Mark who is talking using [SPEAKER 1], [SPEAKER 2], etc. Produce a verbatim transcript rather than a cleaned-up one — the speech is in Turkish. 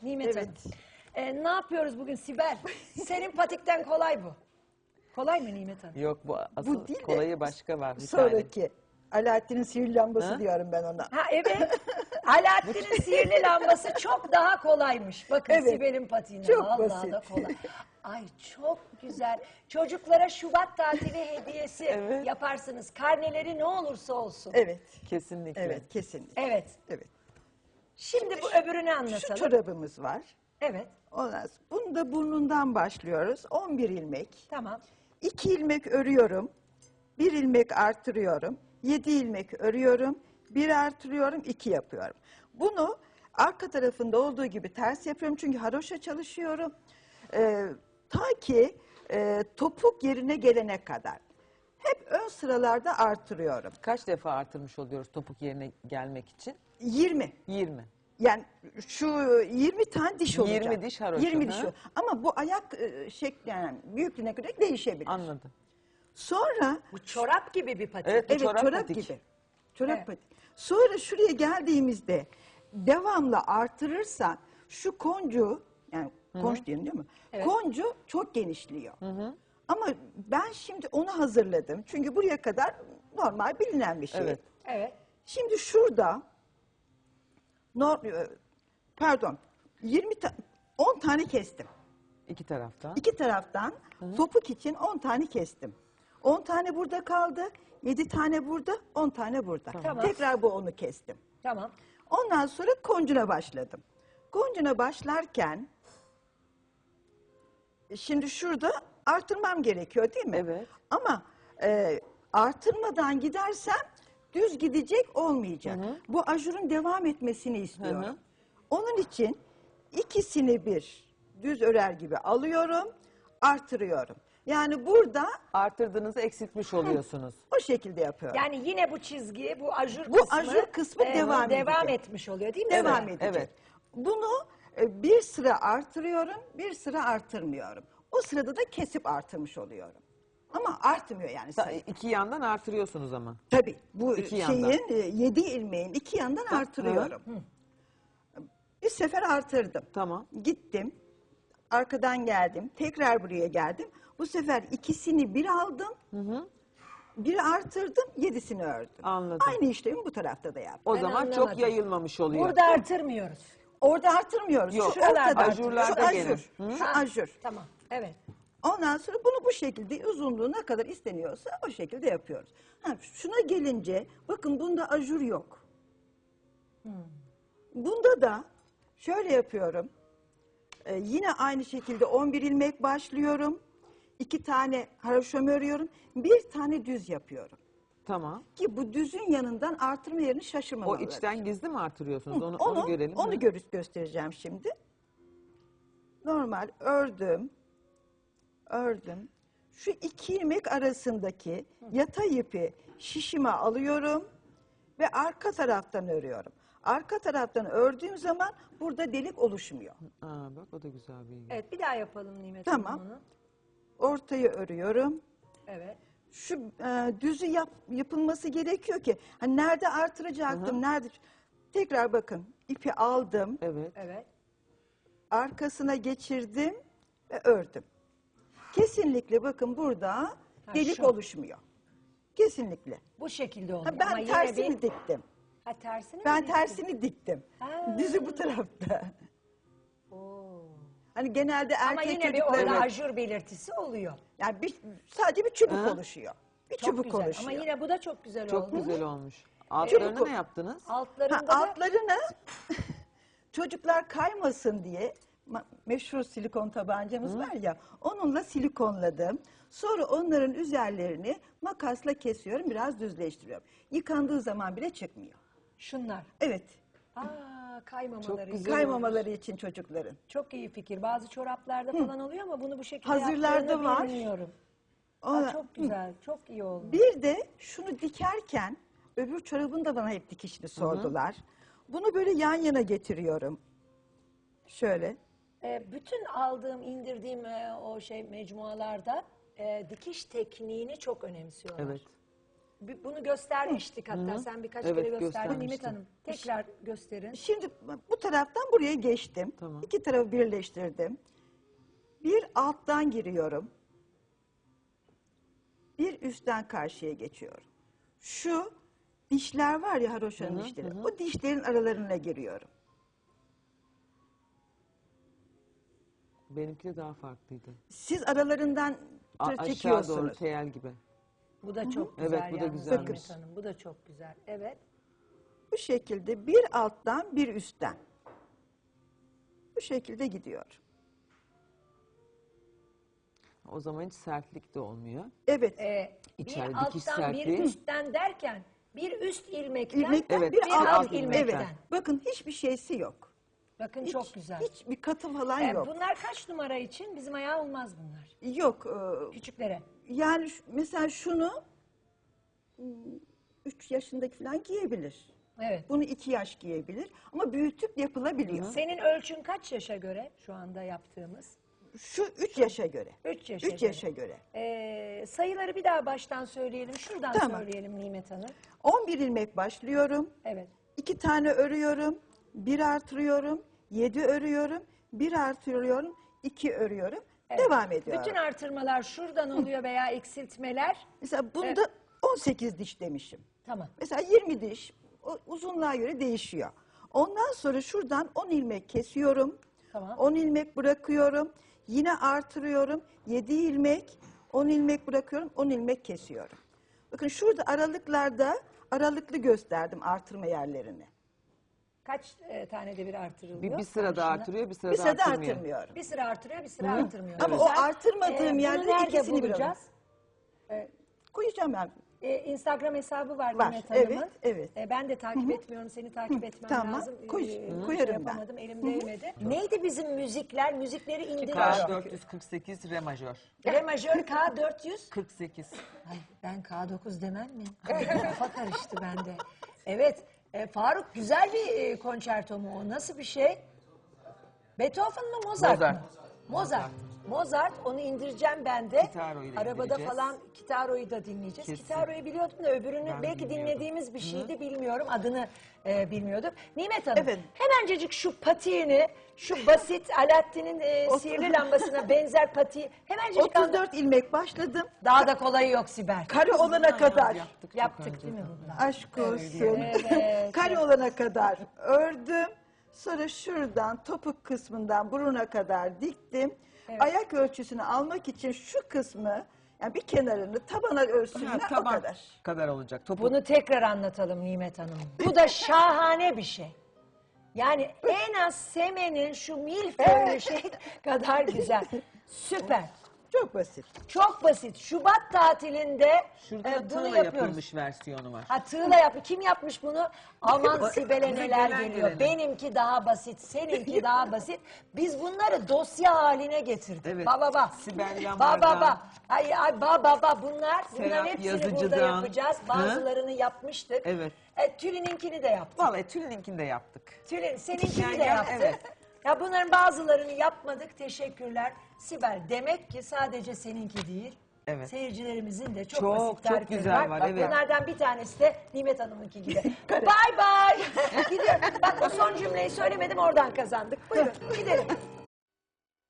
[SPEAKER 1] Nimet
[SPEAKER 2] Evet.
[SPEAKER 1] Hanım. Ee, ne yapıyoruz bugün Sibel? Senin patikten kolay bu. Kolay mı Nimet Hanım?
[SPEAKER 3] Yok bu asıl
[SPEAKER 2] Bu değil de
[SPEAKER 3] kolayı başka var bir tane.
[SPEAKER 2] sonraki. Alaaddin'in sihirli lambası
[SPEAKER 3] Ha?
[SPEAKER 2] diyorum ben ona.
[SPEAKER 1] Ha evet. Alaaddin'in sihirli lambası çok daha kolaymış. Bakın
[SPEAKER 2] Evet.
[SPEAKER 1] Sibel'in patiğine.
[SPEAKER 2] Çok
[SPEAKER 1] Vallahi
[SPEAKER 2] basit.
[SPEAKER 1] da kolay. Ay çok güzel. Çocuklara Şubat tatili hediyesi
[SPEAKER 3] Evet.
[SPEAKER 1] yaparsınız. Karneleri ne olursa olsun.
[SPEAKER 2] Evet.
[SPEAKER 3] Kesinlikle.
[SPEAKER 2] Evet, kesinlikle.
[SPEAKER 1] Evet.
[SPEAKER 2] Evet.
[SPEAKER 1] Şimdi bu öbürünü
[SPEAKER 2] Şu
[SPEAKER 1] anlatalım.
[SPEAKER 2] çorabımız var.
[SPEAKER 1] Evet.
[SPEAKER 2] Ondan sonra bunu da burnundan başlıyoruz. on bir ilmek.
[SPEAKER 1] Tamam.
[SPEAKER 2] iki ilmek örüyorum. bir ilmek artırıyorum. yedi ilmek örüyorum. bir artırıyorum, iki yapıyorum. Bunu arka tarafında olduğu gibi ters yapıyorum. Çünkü haroşa çalışıyorum. Ee, ta ki e, topuk yerine gelene kadar. Hep ön sıralarda artırıyorum.
[SPEAKER 3] Kaç defa artırmış oluyoruz topuk yerine gelmek için?
[SPEAKER 2] yirmi.
[SPEAKER 3] yirmi.
[SPEAKER 2] Yani şu yirmi tane diş olacak.
[SPEAKER 3] yirmi diş haroşa,
[SPEAKER 2] yirmi diş
[SPEAKER 3] ha?
[SPEAKER 2] o. Ama bu ayak e, şekli yani büyüklüğüne göre değişebilir.
[SPEAKER 3] Anladım.
[SPEAKER 2] Sonra
[SPEAKER 1] Bu çorap gibi bir patik.
[SPEAKER 3] Evet. Bu
[SPEAKER 2] evet
[SPEAKER 3] çorap
[SPEAKER 2] çorap,
[SPEAKER 3] patik.
[SPEAKER 2] gibi. Çorap
[SPEAKER 1] Evet.
[SPEAKER 2] patik. Sonra şuraya geldiğimizde devamlı artırırsan şu koncu yani konç diyelim değil mi?
[SPEAKER 1] Evet.
[SPEAKER 2] Koncu çok genişliyor. Ama ben şimdi onu hazırladım. Çünkü buraya kadar normal bilinen bir şey.
[SPEAKER 3] Evet.
[SPEAKER 1] Evet.
[SPEAKER 2] Şimdi şurada nor- pardon yirmi ta- on tane kestim.
[SPEAKER 3] İki tarafta.
[SPEAKER 2] İki taraftan topuk için on tane kestim. on tane burada kaldı. yedi tane burada, on tane burada.
[SPEAKER 1] Tamam.
[SPEAKER 2] Tekrar bu onu kestim.
[SPEAKER 1] Tamam.
[SPEAKER 2] Ondan sonra koncuna başladım. Koncuna başlarken şimdi şurada artırmam gerekiyor değil mi?
[SPEAKER 3] Evet.
[SPEAKER 2] Ama e, artırmadan gidersem düz gidecek olmayacak. Bu ajurun devam etmesini istiyorum.
[SPEAKER 3] Hı hı.
[SPEAKER 2] Onun için ikisini bir düz örer gibi alıyorum, artırıyorum. Yani burada
[SPEAKER 3] Artırdığınızı eksiltmiş oluyorsunuz.
[SPEAKER 2] o şekilde yapıyorum.
[SPEAKER 1] Yani yine bu çizgi, bu ajur
[SPEAKER 2] Bu
[SPEAKER 1] kısmı,
[SPEAKER 2] ajur kısmı devam
[SPEAKER 1] devam
[SPEAKER 2] edecek.
[SPEAKER 1] etmiş oluyor değil mi?
[SPEAKER 2] Devam
[SPEAKER 1] Evet.
[SPEAKER 2] edecek.
[SPEAKER 3] evet.
[SPEAKER 2] Bunu e, bir sıra artırıyorum, bir sıra artırmıyorum. O sırada da kesip artırmış oluyorum. Ama artmıyor yani
[SPEAKER 3] Ta-
[SPEAKER 2] sayı.
[SPEAKER 3] İki yandan artırıyorsunuz ama.
[SPEAKER 2] Tabii bu
[SPEAKER 3] İki
[SPEAKER 2] şeyin
[SPEAKER 3] yandan.
[SPEAKER 2] e, yedi ilmeğin iki yandan artırıyorum. Bir sefer artırdım.
[SPEAKER 3] Tamam.
[SPEAKER 2] Gittim, arkadan geldim, tekrar buraya geldim. Bu sefer ikisini bir aldım, biri artırdım, yedisini ördüm.
[SPEAKER 3] Anladım.
[SPEAKER 2] Aynı işlemi bu tarafta da yaptım.
[SPEAKER 3] O
[SPEAKER 1] Ben
[SPEAKER 3] zaman çok
[SPEAKER 1] anlamadım.
[SPEAKER 3] yayılmamış oluyor.
[SPEAKER 1] Burada artırmıyoruz.
[SPEAKER 2] Orada artırmıyoruz.
[SPEAKER 3] Yok,
[SPEAKER 2] Şu
[SPEAKER 1] şuralarda
[SPEAKER 2] ortada
[SPEAKER 3] ajurlarda
[SPEAKER 2] artırıyoruz. Şu
[SPEAKER 3] gelir.
[SPEAKER 2] ajur. Şu
[SPEAKER 1] Ha,
[SPEAKER 2] ajur.
[SPEAKER 1] Tamam. Evet.
[SPEAKER 2] Ondan sonra bunu bu şekilde uzunluğu ne kadar isteniyorsa o şekilde yapıyoruz. Ha, şuna gelince bakın bunda ajur yok. Bunda da şöyle yapıyorum. Ee, yine aynı şekilde on bir ilmek başlıyorum. iki tane haroşamı örüyorum. Bir tane düz yapıyorum.
[SPEAKER 3] Tamam.
[SPEAKER 2] Ki bu düzün yanından artırma yerini
[SPEAKER 3] O
[SPEAKER 2] şaşırmamaları.
[SPEAKER 3] içten gizli mi artırıyorsunuz? Onu,
[SPEAKER 2] Onu,
[SPEAKER 3] onu görelim.
[SPEAKER 2] onu
[SPEAKER 3] Hı.
[SPEAKER 2] gör- göstereceğim şimdi. Normal ördüm. Ördüm. Şu iki ilmek arasındaki yatay ipi şişime alıyorum ve arka taraftan örüyorum. Arka taraftan ördüğüm zaman burada delik oluşmuyor.
[SPEAKER 3] Aa, bak o da güzel bir bilgi.
[SPEAKER 1] Evet bir daha yapalım Nimet
[SPEAKER 2] Tamam.
[SPEAKER 1] Hanım onu.
[SPEAKER 2] Ortayı örüyorum.
[SPEAKER 1] Evet.
[SPEAKER 2] Şu e, düzü yap, yapılması gerekiyor ki hani nerede artıracaktım, nerede tekrar bakın ipi aldım,
[SPEAKER 3] Evet.
[SPEAKER 1] Evet.
[SPEAKER 2] arkasına geçirdim ve ördüm. Kesinlikle bakın burada delik
[SPEAKER 1] şu.
[SPEAKER 2] oluşmuyor. Kesinlikle.
[SPEAKER 1] Bu şekilde oldu.
[SPEAKER 2] Ha, ben
[SPEAKER 1] Ama yine
[SPEAKER 2] tersini
[SPEAKER 1] bir...
[SPEAKER 2] diktim.
[SPEAKER 1] Ha tersini mi
[SPEAKER 2] Ben
[SPEAKER 1] diktin?
[SPEAKER 2] tersini diktim.
[SPEAKER 1] Ha.
[SPEAKER 2] Düzü bu tarafta.
[SPEAKER 1] Oo.
[SPEAKER 2] Hani genelde erkek
[SPEAKER 1] Ama yine bir
[SPEAKER 2] çocukları
[SPEAKER 1] orada ajur belirtisi oluyor.
[SPEAKER 2] yani bir, sadece bir çubuk
[SPEAKER 3] Hı.
[SPEAKER 2] oluşuyor. Bir
[SPEAKER 1] Çok
[SPEAKER 2] çubuk
[SPEAKER 1] güzel.
[SPEAKER 2] oluşuyor.
[SPEAKER 1] Ama yine bu da çok güzel
[SPEAKER 3] Çok
[SPEAKER 1] olmuş.
[SPEAKER 3] güzel olmuş. Altlarını
[SPEAKER 2] Çabuk-
[SPEAKER 3] ne yaptınız?
[SPEAKER 1] Altlarında
[SPEAKER 2] Ha,
[SPEAKER 1] da
[SPEAKER 2] altlarını çocuklar kaymasın diye ma- meşhur silikon tabancamız var ya onunla silikonladım. Sonra onların üzerlerini makasla kesiyorum, biraz düzleştiriyorum. Yıkandığı zaman bile çıkmıyor.
[SPEAKER 1] şunlar.
[SPEAKER 2] Evet,
[SPEAKER 1] Aa, kaymamaları.
[SPEAKER 3] Çok
[SPEAKER 1] için.
[SPEAKER 3] güzel.
[SPEAKER 2] kaymamaları için çocukların.
[SPEAKER 1] Çok iyi fikir. Bazı çoraplarda falan oluyor ama bunu bu şekilde
[SPEAKER 2] Hazırlarda
[SPEAKER 1] yaptığını
[SPEAKER 2] var.
[SPEAKER 1] bilmiyorum. Aa,
[SPEAKER 2] Ona-
[SPEAKER 1] çok güzel. Çok iyi oldu.
[SPEAKER 2] Bir de şunu dikerken öbür çorabın da bana hep dikişini sordular. Bunu böyle yan yana getiriyorum. Şöyle.
[SPEAKER 1] Ee, bütün aldığım, indirdiğim e, o şey mecmualarda e, dikiş tekniğini çok önemsiyorlar.
[SPEAKER 3] Evet.
[SPEAKER 1] bi- bunu göstermiştik hatta. Sen birkaç
[SPEAKER 3] Evet,
[SPEAKER 1] kere gösterdin.
[SPEAKER 3] göstermiştim.
[SPEAKER 1] Nimet Hanım tekrar gösterin.
[SPEAKER 2] Şimdi bu taraftan buraya geçtim.
[SPEAKER 3] Tamam.
[SPEAKER 2] İki tarafı birleştirdim. Bir alttan giriyorum. Bir üstten karşıya geçiyorum. Şu dişler var ya haroşanın dişleri. O dişlerin aralarına giriyorum.
[SPEAKER 3] Benimki de daha farklıydı.
[SPEAKER 2] Siz aralarından
[SPEAKER 3] A-
[SPEAKER 2] tır
[SPEAKER 3] aşağı
[SPEAKER 2] çekiyorsunuz.
[SPEAKER 3] doğru teyel gibi.
[SPEAKER 1] Bu da çok
[SPEAKER 3] Evet,
[SPEAKER 1] güzel
[SPEAKER 3] bu da
[SPEAKER 1] yalnız
[SPEAKER 3] güzelmiş.
[SPEAKER 1] Nimet Hanım. Bu da çok güzel. Evet.
[SPEAKER 2] Bu şekilde bir alttan bir üstten. Bu şekilde gidiyor.
[SPEAKER 3] O zaman hiç sertlik de olmuyor.
[SPEAKER 2] Evet.
[SPEAKER 1] Ee,
[SPEAKER 3] İçeri
[SPEAKER 1] bir
[SPEAKER 3] dikiş
[SPEAKER 1] alttan bir
[SPEAKER 3] sertliği.
[SPEAKER 1] üstten derken bir üst ilmekten,
[SPEAKER 2] İlmekten
[SPEAKER 3] Evet,
[SPEAKER 2] bir,
[SPEAKER 1] bir
[SPEAKER 2] alt,
[SPEAKER 1] alt
[SPEAKER 2] ilmek.
[SPEAKER 1] ilmekten.
[SPEAKER 2] Evet. Bakın hiçbir şeysi yok.
[SPEAKER 1] Bakın
[SPEAKER 2] Hiç,
[SPEAKER 1] çok güzel.
[SPEAKER 2] Hiçbir katı falan
[SPEAKER 1] Ee,
[SPEAKER 2] yok.
[SPEAKER 1] bunlar kaç numara için? Bizim ayağı olmaz bunlar.
[SPEAKER 2] Yok. e,
[SPEAKER 1] Küçüklere.
[SPEAKER 2] Yani şu- mesela şunu üç yaşındaki falan giyebilir.
[SPEAKER 1] Evet.
[SPEAKER 2] Bunu iki yaş giyebilir. Ama büyütüp yapılabiliyor.
[SPEAKER 1] Senin ölçün kaç yaşa göre şu anda yaptığımız?
[SPEAKER 2] Şu üç yaşa göre.
[SPEAKER 1] Üç yaşa
[SPEAKER 2] Üç
[SPEAKER 1] göre.
[SPEAKER 2] yaşa göre.
[SPEAKER 1] Ee, sayıları bir daha baştan söyleyelim. Şuradan
[SPEAKER 2] Tamam.
[SPEAKER 1] söyleyelim Nimet Hanım.
[SPEAKER 2] on bir ilmek başlıyorum.
[SPEAKER 1] Evet.
[SPEAKER 2] iki tane örüyorum. Bir artırıyorum. Yedi örüyorum. Bir artırıyorum. iki örüyorum. Devam ediyorum.
[SPEAKER 1] Bütün artırmalar şuradan oluyor veya eksiltmeler.
[SPEAKER 2] Mesela bunda on sekiz diş demişim.
[SPEAKER 1] Tamam.
[SPEAKER 2] Mesela yirmi diş. O uzunluğa göre değişiyor. Ondan sonra şuradan on ilmek kesiyorum.
[SPEAKER 1] Tamam.
[SPEAKER 2] on ilmek bırakıyorum. Yine artırıyorum. yedi ilmek, on ilmek bırakıyorum. on ilmek kesiyorum. Bakın şurada aralıklarda aralıklı gösterdim artırma yerlerini.
[SPEAKER 1] Kaç e, tane de bir artırılıyor?
[SPEAKER 3] Bir, bir sırada
[SPEAKER 1] Karşına?
[SPEAKER 3] artırıyor, bir sırada
[SPEAKER 2] Bir sırada
[SPEAKER 3] artırmıyor.
[SPEAKER 2] artırmıyor.
[SPEAKER 1] Bir sıra artırıyor, bir sıra artırmıyor.
[SPEAKER 2] Ama
[SPEAKER 1] Güzel.
[SPEAKER 2] o artırmadığım
[SPEAKER 1] Ee,
[SPEAKER 2] yerde
[SPEAKER 1] bunu nerede
[SPEAKER 2] ikisini bir
[SPEAKER 1] bulacağız?
[SPEAKER 2] Koyacağım ben.
[SPEAKER 1] Ee, Instagram hesabı var,
[SPEAKER 2] Var,
[SPEAKER 1] Nimet Hanım'ın.
[SPEAKER 2] evet, evet.
[SPEAKER 1] Ee, ben de takip etmiyorum, seni takip etmem
[SPEAKER 2] tamam.
[SPEAKER 1] lazım.
[SPEAKER 2] Koy-
[SPEAKER 1] Ee,
[SPEAKER 2] koyarım
[SPEAKER 1] şey
[SPEAKER 2] ben.
[SPEAKER 1] yapamadım, elim değmedi. Neydi bizim müzikler? Müzikleri
[SPEAKER 3] K
[SPEAKER 1] indiriyorum.
[SPEAKER 3] dört yüz kırk sekiz re majör.
[SPEAKER 1] Re majör K dört yüz.
[SPEAKER 3] kırk sekiz.
[SPEAKER 1] Ay, ben K dokuz demem mi? Kafa karıştı bende. Evet, e, Faruk güzel bir e, konçerto mu o? Nasıl bir şey? Beethoven mı Mozart,
[SPEAKER 3] Mozart.
[SPEAKER 1] mı? Mozart. Mozart, onu indireceğim ben de.
[SPEAKER 3] Kitaro'yu da
[SPEAKER 1] Arabada
[SPEAKER 3] indireceğiz.
[SPEAKER 1] falan Kitaro'yu da dinleyeceğiz.
[SPEAKER 3] Kesin.
[SPEAKER 1] Kitaro'yu biliyordum da öbürünü
[SPEAKER 3] Ben
[SPEAKER 1] belki
[SPEAKER 3] bilmiyordum.
[SPEAKER 1] dinlediğimiz bir şeydi bilmiyorum. Adını e, bilmiyordum. Nimet Hanım,
[SPEAKER 2] Evet.
[SPEAKER 1] hemencecik şu patiğini, şu basit Alaaddin'in e, sihirli lambasına benzer patiği hemencecik anla-
[SPEAKER 2] otuz dört ilmek başladım.
[SPEAKER 1] Daha da kolayı yok Sibel.
[SPEAKER 2] Kare olana kadar.
[SPEAKER 3] Yaptık, çok
[SPEAKER 1] Yaptık
[SPEAKER 3] önce.
[SPEAKER 1] değil mi bunlar?
[SPEAKER 2] Aşk olsun.
[SPEAKER 1] Evet.
[SPEAKER 2] Kare olana kadar ördüm. Sonra şuradan topuk kısmından buruna kadar diktim. Ayak ölçüsünü almak için şu kısmı, yani bir kenarını tabana ölçüsüne
[SPEAKER 3] Ha,
[SPEAKER 2] o
[SPEAKER 3] taban
[SPEAKER 2] kadar.
[SPEAKER 3] kadar olacak. Topuk.
[SPEAKER 1] Bunu tekrar anlatalım Nimet Hanım. Bu da şahane bir şey. Yani en az Semen'in şu milföylü şey kadar güzel. Süper.
[SPEAKER 2] Çok basit.
[SPEAKER 1] Çok basit. Şubat tatilinde
[SPEAKER 3] Şurada
[SPEAKER 1] e,
[SPEAKER 3] da
[SPEAKER 1] bunu
[SPEAKER 3] tığla
[SPEAKER 1] yapıyoruz.
[SPEAKER 3] yapılmış versiyonu var.
[SPEAKER 1] Ha tığla yap. Kim yapmış bunu? Aman Sibel'e
[SPEAKER 3] Bize
[SPEAKER 1] neler
[SPEAKER 3] gelen
[SPEAKER 1] geliyor.
[SPEAKER 3] geleni.
[SPEAKER 1] Benimki daha basit, seninki daha basit. Biz bunları dosya haline getirdik.
[SPEAKER 3] Evet.
[SPEAKER 1] Ba ba ba.
[SPEAKER 3] Sibel
[SPEAKER 1] Ba
[SPEAKER 3] Yamar'dan.
[SPEAKER 1] ba ba. Ay ay ba ba ba. Bunlar, bunların
[SPEAKER 3] Serap
[SPEAKER 1] hepsini burada
[SPEAKER 3] Yazıcı'dan.
[SPEAKER 1] yapacağız.
[SPEAKER 3] Hı?
[SPEAKER 1] Bazılarını yapmıştık.
[SPEAKER 3] Evet.
[SPEAKER 1] E, Tülin'inkini de yaptık.
[SPEAKER 3] Vallahi Tülin'inkini de yaptık.
[SPEAKER 1] Tülin, seninkini
[SPEAKER 3] Yani
[SPEAKER 1] de
[SPEAKER 3] gel-
[SPEAKER 1] yaptık.
[SPEAKER 3] evet.
[SPEAKER 1] Ya bunların bazılarını yapmadık. Teşekkürler. Sibel, demek ki sadece seninki değil.
[SPEAKER 3] Evet.
[SPEAKER 1] Seyircilerimizin de çok,
[SPEAKER 3] Çok,
[SPEAKER 1] basit
[SPEAKER 3] çok
[SPEAKER 1] tarifleri
[SPEAKER 3] güzel
[SPEAKER 1] var.
[SPEAKER 3] var,
[SPEAKER 1] Bak
[SPEAKER 3] evet.
[SPEAKER 1] bunlardan bir tanesi de Nimet Hanım'ınki gibi. Bye bye. Gidiyorum. Bak o son cümleyi söylemedim, oradan kazandık. Buyurun gidelim.